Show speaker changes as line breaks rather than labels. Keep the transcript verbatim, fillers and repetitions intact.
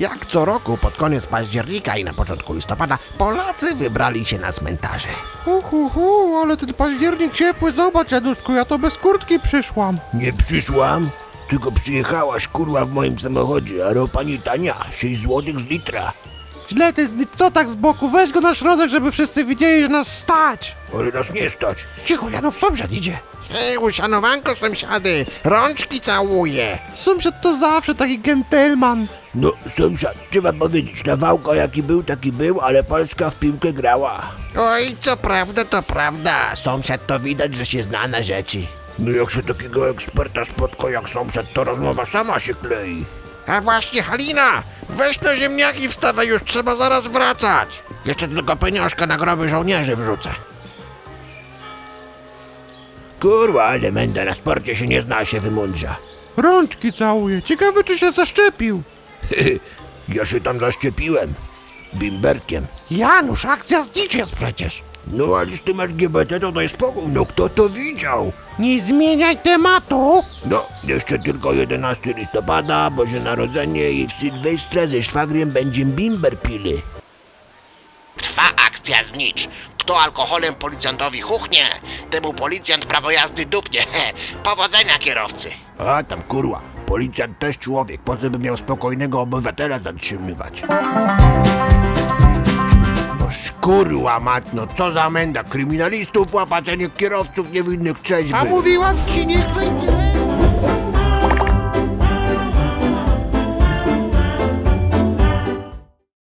Jak co roku pod koniec października i na początku listopada Polacy wybrali się na cmentarze.
Uhu, hu, ale ten październik ciepły, zobacz Januszku, ja to bez kurtki przyszłam.
Nie przyszłam, tylko przyjechałaś kurwa w moim samochodzie, a ropa nie tania, sześć złotych z litra.
Źle ty, co tak z boku, weź go na środek, żeby wszyscy widzieli, że nas stać.
Ale nas nie stać.
Cicho, Janów, sąsiad idzie. Hej, uszanowanko sąsiady, rączki całuję.
Sąsiad to zawsze taki gentleman.
No sąsiad, trzeba powiedzieć, Nawałka jaki był, taki był, ale Polska w piłkę grała.
Oj, co prawda, to prawda. Sąsiad to widać, że się zna na rzeczy.
No jak się takiego eksperta spotka jak sąsiad, to rozmowa sama się klei.
A właśnie, Halina, weź na ziemniaki wstawaj, już trzeba zaraz wracać. Jeszcze tylko pieniążka na groby żołnierzy wrzucę.
Kurwa, ale menda na sporcie się nie zna, a się wymądrza.
Rączki całuje, ciekawe czy się zaszczepił.
Ja się tam zaszczepiłem. Bimberkiem.
Janusz, akcja znicz jest przecież.
No ale z tym L G B T to daj spokój, no kto to widział?
Nie zmieniaj tematu.
No, jeszcze tylko jedenastego listopada, Boże Narodzenie i w Sylwestra ze szwagrem będziemy bimber pili.
Trwa akcja znicz. Kto alkoholem policjantowi chuchnie, temu policjant prawo jazdy dupnie. Powodzenia kierowcy.
A tam kurwa, policjant też człowiek, po co by miał spokojnego obywatela zatrzymywać?
No szkurła mać, no co za menda, kryminalistów łapać, a nie kierowców niewinnych trzeźwych.
A mówiłam ci, nie chlej tyle.